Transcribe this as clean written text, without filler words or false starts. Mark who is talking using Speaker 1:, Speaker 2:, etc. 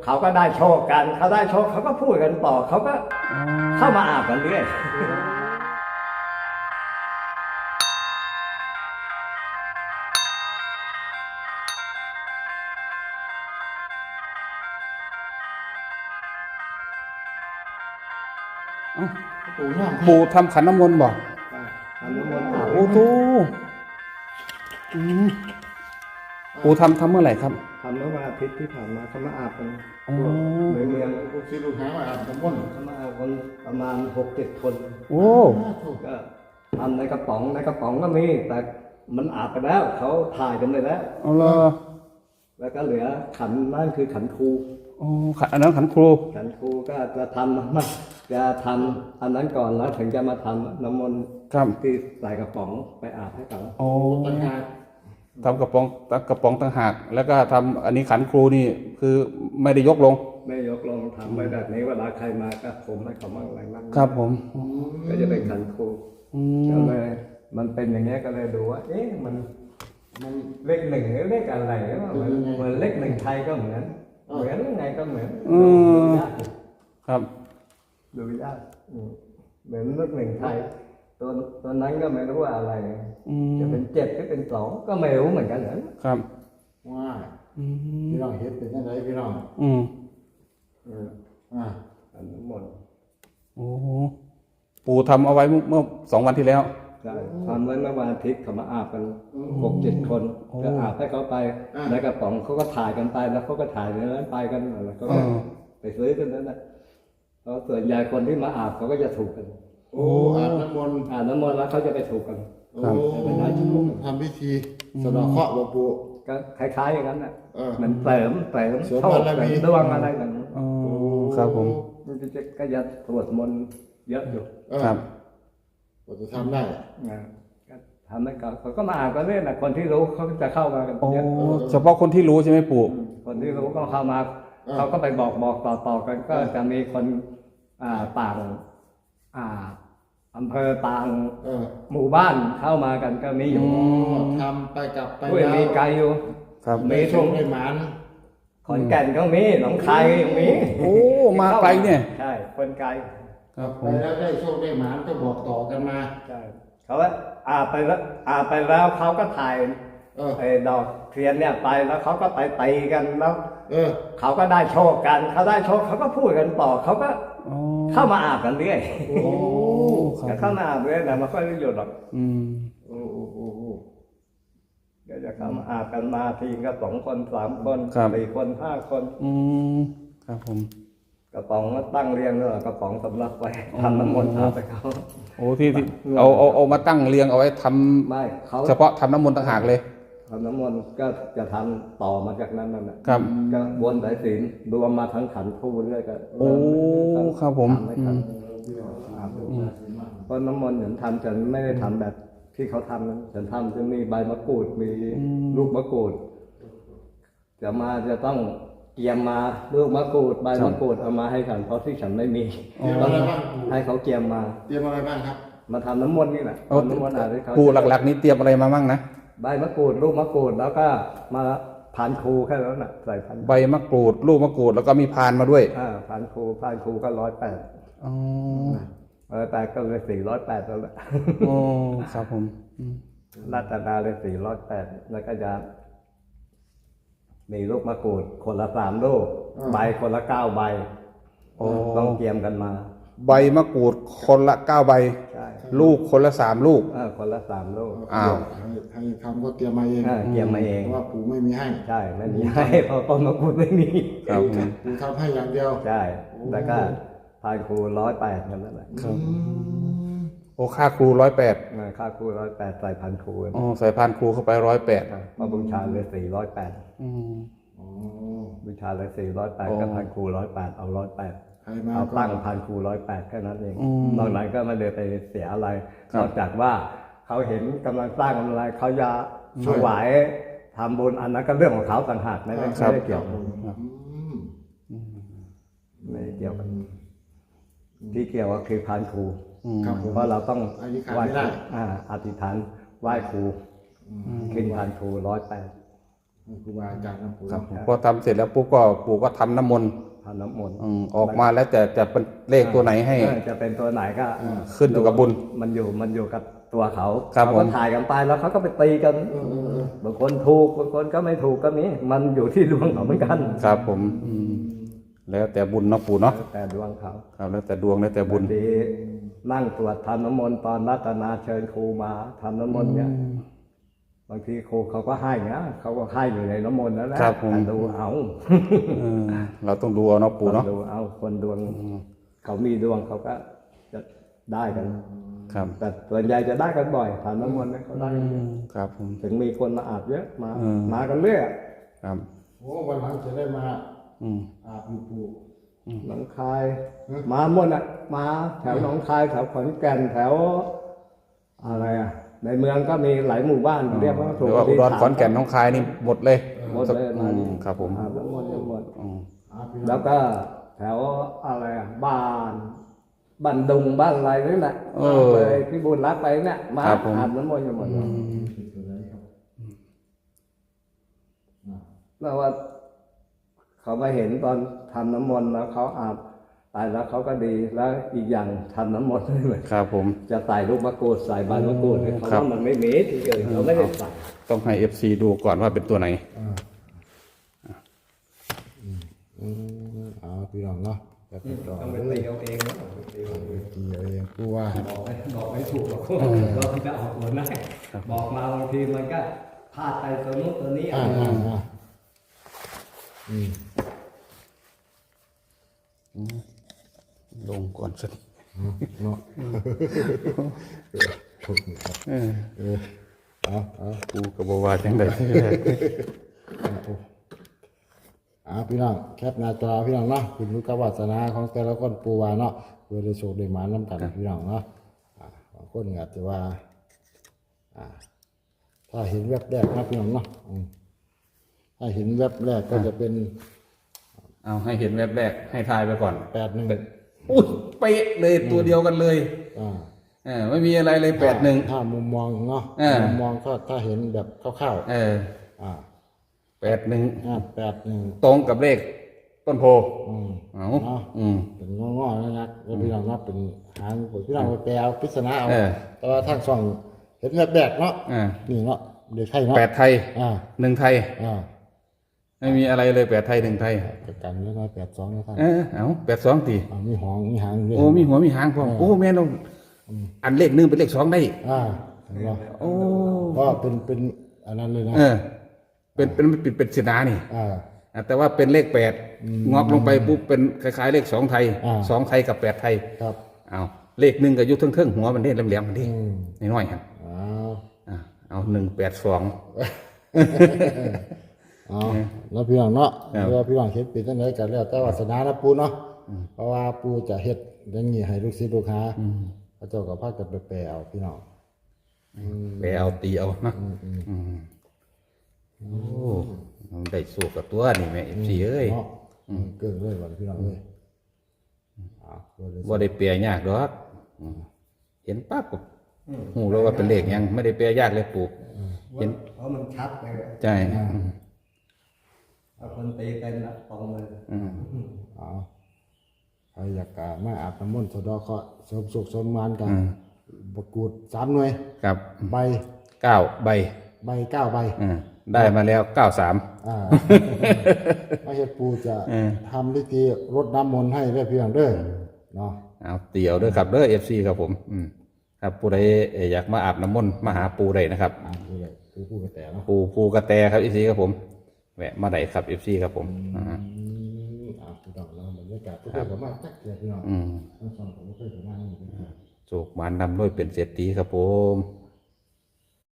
Speaker 1: เขาก็ได้โชคกันเขาได้โชคเขาก็พูดกันต่อเขาก็เข้ามาอาบกันเรื่อย
Speaker 2: ปู่ทำขันน้ำมนต์บ่
Speaker 1: ทำน้ำมนต์อาบ
Speaker 2: โอ้โหปู่ทำเมื่อไหร่ครับ
Speaker 1: ทำเมื่อวันอาทิตย์ที่ผ่านมาเขามาอาบกัน
Speaker 2: อ๋อ
Speaker 1: ในเมือง
Speaker 3: ลูกศิษย์ลูกหามาอาบน้ำมนต์
Speaker 1: เขามาอาบกันประมาณ 6-7 คน
Speaker 2: โอ้
Speaker 1: ก็ทำในกระป๋องก็มีแต่มันอาบไปแล้วเขาถ่ายกันไปแล้ว
Speaker 2: เอาละ
Speaker 1: แล้วก็เหลือขันนั่นคือขันครู
Speaker 2: อ๋ออันนั้นขันครู
Speaker 1: ขันครูก็จะทำจะทำอันนั้นก่อนแล้วถึงจะมาทำน้ำมนต์
Speaker 2: ครับ
Speaker 1: ที่ใส่กระป๋องไปอาบให้เขา
Speaker 2: โอ้
Speaker 3: ต่างหาก
Speaker 2: ทำกระป๋องต่างหากแล้วก็ทำอันนี้ขันครูนี่คือไม่ได้ยกลง
Speaker 1: ไม่ยกลงทำไปแบบนี้เวลาใครมาก็ผมให้เขามั่งอะไรมั่ง
Speaker 2: ครับผม
Speaker 1: ก็จะเป็นขันครู
Speaker 2: อื
Speaker 1: ก็
Speaker 2: ม
Speaker 1: เลยมันเป็นอย่างเงี้ยก็เลยดูว่า เอ๊ะมันเลขหนึ่งหรือเลขอะไรวะเหมือนเลขหนึ่งไทยก็เหมือนยังไงก็เหมือนดูยาก
Speaker 2: ครับ
Speaker 1: ดูยากเหมือนเลขหนึ่งไทยตัวนั้นก็ไม่รู้ว่าอะไร จะเป็น7หรือเป็น2ก็ไม่รู้เหมือนกันเหรอ
Speaker 2: ครับ
Speaker 3: ว่าพี่น้องเห็นเป็นยังไงพี่น้อง
Speaker 1: อันนั้นหมด
Speaker 2: โอ้ปู่ทำเอาไว้เมื่อ2 วันที่แล้ว
Speaker 1: ใช่ทำไว้เมื่อวันอาทิตย์เขามาอาบกัน6-7 คนก็อาบให้เขาไปในกระป๋องเขาก็ถ่ายกันไปแล้วเขาก็ถ่ายในนั้นไปกันแล้วก็ไปซื้อกันนั้นนะเพราะส่วนใหญ่คนที่มาอาบเขาก็จะถูกกัน
Speaker 3: โอ้อาบน้ำมนต์
Speaker 1: อาบน้ำมนต์แล้วเขาจะไปถูกกัน
Speaker 3: โอ้ทำพิธีสะเดาะเคราะห์หลวงปู่
Speaker 1: ก็คล้ายๆอย่างนั้นน่ะ
Speaker 3: เ
Speaker 1: มันเสริมโชคเสริมดวงอะไรแบบนั้น
Speaker 2: อ๋อครับผม
Speaker 1: มันก็จะสวดมนต์เยอะอยู่
Speaker 2: ครับ
Speaker 3: เราจะทำได้
Speaker 1: ก็ทำให้เขาก็มาอาบกันเรื่อยนะคนที่รู้เขาก็จะเข้ามากัน
Speaker 2: โอ้
Speaker 1: เยอะ
Speaker 2: เฉพาะคนที่รู้ใช่ไหมปู่
Speaker 1: คนที่รู้ก็เข้ามาเขาก็ไปบอกต่อกันก็จะมีคนต่างอำเภอต่างหมู่บ้านเข้ามากันก็มีอยู่
Speaker 3: ทำไปกลับไป
Speaker 1: ด้วยมีไกลอยู่
Speaker 2: ครับ
Speaker 3: มีโชคได้หมาน
Speaker 1: ขอนแก่นก็มีหนองคายก็มี
Speaker 2: โอ้มาไกลเนี่ย
Speaker 1: ใช่คนไกล
Speaker 2: ครับผ
Speaker 3: ไป
Speaker 2: ม
Speaker 3: แล้วได้โชคได้หมานก็บอกต่อกันมา
Speaker 1: ใช่เขาว่าอาบไปแล้วเขาก็ถ่ายไอ้ดอกเทียนเนี่ยไปแล้วเขาก็ไปตีกันแล้วเขาก็ได้โชคกันเขาได้โชคเขาก็พูดกันต่อเขาก็เข้ามาอาบกันเรื่อย
Speaker 2: โอ้ค
Speaker 1: ก็
Speaker 2: รับ
Speaker 1: เข้ามาอาบเรื่อยแต่ไม่ค่อยได้หยุดหรอก
Speaker 3: โอ้
Speaker 1: ก็จะเข้ามาอาบกันมาทีก็2 คน3 คน4 คน5 คน
Speaker 2: ครับผม
Speaker 1: กระป๋องก็ตั้งเรียงเลยกระป๋องสำหรับไว้ทำน้ำมนต์อาบไปเขา
Speaker 2: โอ้ที่เอามาตั้งเรียงเอาไว้ทำ
Speaker 1: ไม่เขา
Speaker 2: เฉพาะทำน้ำมนต์ต่างหากเลย
Speaker 1: ทำน้ำมนต์ก็จะทำต่อมาจากนั้นนั่นแหละ
Speaker 2: ครับ
Speaker 1: ก็วนสายศีลรวมมาทั้งขันธ์เรื่อยก็
Speaker 2: โอ้ครับผม
Speaker 1: ทำให้ทันเพราะน้ำมนต์ฉันทำฉันไม่ได้ทำแบบที่เขาทำนะฉันทำจะมีใบมะกรูดมีลูกมะกรูดจะต้องเตรียมมาลูกมะกรูดใบมะกรูดเอามาให้ฉันเพราะที่ฉันไม่มี
Speaker 3: เตรียมอะไรบ้าง
Speaker 1: ให้เขาเตรียมมา
Speaker 3: เตรียมอะไรบ้างครับ
Speaker 1: มาทำน้ำมนต์นี่แหละ
Speaker 2: เอา
Speaker 1: ทำน้ำมนต์อาบให้เขา
Speaker 2: ปู่หลักๆนี้เตรียมอะไรมามั่งนะ
Speaker 1: ใบมะกรูดลูกมะกรูดแล้วก็มาผ่านครูแค่นั้นน่ะใส่พัน
Speaker 2: ใบมะกรูดลูกมะกรูดแล้วก็มีพานมาด้วย
Speaker 1: ผ่านครูก็108
Speaker 2: อ๋อ
Speaker 1: แต่ก็เลย408แล้วแหละ
Speaker 2: โอ้ครับผม
Speaker 1: รัตนาเลย408แล้วก็จะมีลูกมะกรูดคนละ3 ลูกใบคนละ9 ใบต้องเตรียมกันมา
Speaker 2: ใบมะกรูดคนละ9 ใบ
Speaker 1: ใช่
Speaker 2: ลูกคนละ3 ลูก
Speaker 1: คนละ3 ลูก
Speaker 2: อ้าว
Speaker 3: ให้ทำก็เตรียมมาเอง
Speaker 1: เตรียมมาเอง
Speaker 3: เพราะว่าปู่ไม่มีให้
Speaker 1: ใช่ไม่มีให้เพราะต้นมะกรูดไม่มี
Speaker 2: ครับผม
Speaker 3: ปู่ทำให้อย่างเดียว
Speaker 1: ใช่แล้วก็ผ่านครู108กันนั่นแหละ
Speaker 2: ครับโอ้ค่าครู108
Speaker 1: ค่าครู108ใส่พันครู
Speaker 2: อ๋อใส่พานครูเข้าไป108
Speaker 1: เพราะบูชาเลย408บูชาเลย408ก็พันครู108เอา108
Speaker 3: ใครมา
Speaker 1: เอา
Speaker 3: ก็
Speaker 1: ตั้งพันครู108แค่นั้นเองนอกนั้นก็ไม่ได้ไปเสียอะไรนอกจากว่าเขาเห็นกำลังสร้างอะไรเขาจะถวายทำบุญอันนั้นก็เรื่องของเขาต่างหากไม่ได้เกี่ยวกันไม่ได้เกี่ยวกันที่เกี่ยวก็คือพันครู
Speaker 3: ครับผม
Speaker 1: เพราะเราต้อง
Speaker 3: อันนี้ขาด
Speaker 1: ไหว้
Speaker 3: ไม่ได้
Speaker 1: อธิษฐานไหว้ครูขึ้นพันครู108
Speaker 3: ครูบาอาจารย์นะปู่
Speaker 2: ครับ
Speaker 3: เนาะ
Speaker 2: พอทำเสร็จแล้วปุ๊บก็ปู่ก็ทำน้ำมนต์
Speaker 1: ทำน้ำมนต์
Speaker 2: ออกมาแล้วจะเป็นเลขตัวไหนให้
Speaker 1: จะเป็นตัวไหนก็
Speaker 2: ขึ้นอยู่กับบุญ
Speaker 1: มันอยู่กับตัวเขา
Speaker 2: ครับ
Speaker 1: เขาก็
Speaker 2: ผม
Speaker 1: ถ่ายกันไปแล้วเขาก็ไปตีกันบางคนถูกบางคนก็ไม่ถูกก็มีมันอยู่ที่ดวงเขาเหมือนกัน
Speaker 2: ครับผมแล้วแต่บุญเนาะปู่เนาะ
Speaker 1: แต่ดวงเขา
Speaker 2: ครับแล้วแต่ดวงแล้วแต่บุญ
Speaker 1: บางทีนั่งตรวจทำน้ำมนต์ตอนรัตนาเชิญครูมาทำน้ำมนต์เนี่ยบางทีครูเขาก็ให้นะเขาก็ให้อยู่ในน้ำมนต์นั่นแหละ
Speaker 2: ครับผม
Speaker 1: แต่ดูเอา
Speaker 2: เราต้องดูเอาเนาะปู่เนาะ
Speaker 1: ดูเอาคนดวงเขามีดวงเขาก็จะได้กัน
Speaker 2: ครับ
Speaker 1: แต่ส่วนใหญ่จะได้กันบ่อยทำน้ำมนต์เนี่ยเขาได้กันเยอะ
Speaker 2: ครับผม
Speaker 1: ถึงมีคนมาอาบเยอะมากันเรื่อย
Speaker 2: ครับ
Speaker 3: โอ้วันหลังจะได้มา
Speaker 2: อืม
Speaker 3: อาบอยู่ปู่
Speaker 1: หนองคาย มาหมดอ่ะมาแถวหนองคายแถวขอนแก่นแถวอะไรอ่ะในเมืองก็มีหลายหมู่บ้านเรียกว่า
Speaker 2: หรือว่าอุดรขอนแก่นหน้องคายนี่หมดเลย
Speaker 1: หมดเลยมา
Speaker 2: ครับผม
Speaker 1: อาบน้ำมนต์หมด
Speaker 3: อาบพี่น้อง
Speaker 1: แล้วก็แถวอะไรอ่ะบ้านดุงบ้านอะไรนี่แหละเลยพี่บุญรักไปเนี่ยมาอาบน้ำมนต์กันหมดเลยแล้วว่าเขามาเห็นตอนทำน้ำมนต์แล้วเขาอาบไปแล้วเขาก็ดีแล้วอีกอย่างทำน้ำมนต์ด้วย
Speaker 2: ครับผม
Speaker 1: จะใส่ลูกมะกรูดใส่ใบมะกรูดเนี่ยเขาว่ามันไม่มีที่อื่นเขาไม่ได้ใส่
Speaker 2: ต้องให้ FC ดูก่อนว่าเป็นตัวไหน
Speaker 3: พี่น้องเนาะแบบนี้ต่อ
Speaker 1: ต้องไป
Speaker 3: เลย
Speaker 1: ตีเอาเองนะ
Speaker 3: กี่เองกูว่า
Speaker 1: บอกไม่ถูกหรอกเราจะเอาตัวไหนบอกมาบางทีมันก็พลาดไปตัวนู้นตัวนี้
Speaker 2: ลงก่อนสิ
Speaker 3: เนาะ
Speaker 2: ปูกับบวาจังได
Speaker 3: พี่น้องแคปหน้าจอพี่น้องเนาะคุณรู้กับวาสนาของแต่ละคนปูวาเนาะเพื่อได้โชคได้หมาน้ำกันพี่น้องเนาะบางคนอาจจะว่าถ้าเห็นแวบแรกนะพี่น้องเนาะถ้าเห็นแวบแรกก็จะเป็น
Speaker 2: เอาให้เห็นแวบแรกให้ทายไปก่อน
Speaker 3: 81
Speaker 2: อุ้ยเป๊ะเลยตัวเดียวกันเลยไม่มีอะไรเลย81
Speaker 3: ถ้ามุมมองเนาะมุมมองก็ถ้าเห็นแบบคร่าวๆ
Speaker 2: 81ตรงกับเลขต้นโพเอา
Speaker 3: เป็นงอๆนะครับแล้วพี่น้องเนาะเป็นหางพี่น้องไปแปลเอาปริศนาเอาแต่ว่าทางช่องเห็นแบกเนาะนี่เนาะเด็กไทยเนาะ
Speaker 2: 8ไทย1ไทยไม่มีอะไรเลย8ไทย1ไทย
Speaker 3: กันแล้วก็82นะครับ
Speaker 2: เอา82ตี
Speaker 3: มีหางด้วย
Speaker 2: โอ้มีหัวมีหางพร้อมโอ้แม่นอันเลข1เป็นเลข2ได้โอ้
Speaker 3: ก็เป็นอันนั้นเลยนะ
Speaker 2: เป็นศินานี่แต่ว่าเป็นเลข8งอกลงไปปุ๊บเป็นคล้ายๆเลข2ไทย2ไทยกับ8ไทย
Speaker 3: ครับ
Speaker 2: เอาเลข1ก็อยู่เทิงๆหัวมันเด้แหลมๆมันเด้น้อยๆครับเอา182
Speaker 3: แล้วพี่น้องเนาะแล้วพี่น้องเฮ็ดเป็นจังได๋กันแล้วแต่วาสนานะปู่เนาะเพราะว่าปู่จะเฮ็ดอย่างนี้ให้ลูกศิษย์ลูกหาพระเจ้าก็พากันไปแปลเอาพี่น้อง
Speaker 2: ไปเอาตีเอานะโอ้ได้สู้กับตัวนี่แม่FCเอ้ย
Speaker 3: เกินเลยวันพี่น้องเอ้ย
Speaker 2: บ่ได้แปลยากดอกเห็นปั๊บก็ฮู้แล้วว่าเป็นเลขหยังไม่ได้แปลยากเลยปู่เห็น
Speaker 1: เพราะมันชัดเลย
Speaker 2: ใช่
Speaker 1: เอาคนตีเป็นนะตรงเลย
Speaker 3: ใครอยากมาอาบน้ำมนต์สะดอกเคราะห์เสริมสุขเสริมงานกันประกูด3หน่วย
Speaker 2: ครับ
Speaker 3: ใบ
Speaker 2: 9ใบ
Speaker 3: 9ใบ
Speaker 2: ได้มาแล้ว93
Speaker 3: มาเฮ็ดปู่จะทำพิธีรดน้ำมนต์ให้ได้เพียงเด้อเนาะ
Speaker 2: เอาเตี่ยวเด้อครับเด้อ FC ครับผมครับผู้ใดอยากมาอาบน้ำมนต์มาหาปู่ได้นะครับ
Speaker 3: ปู่กระแตเนาะ
Speaker 2: ปู่กระแตครับ FC ครับผมแวะมาได้ครับ FC ครับผม
Speaker 3: พี่น้องเราบรรยากาศก็ได้ประมาณจักเดือนพี่น้องทั้งสองผมก็เคยประมาณนี้
Speaker 2: โศกมานนำด้วยเป็นเศรษฐีครับผม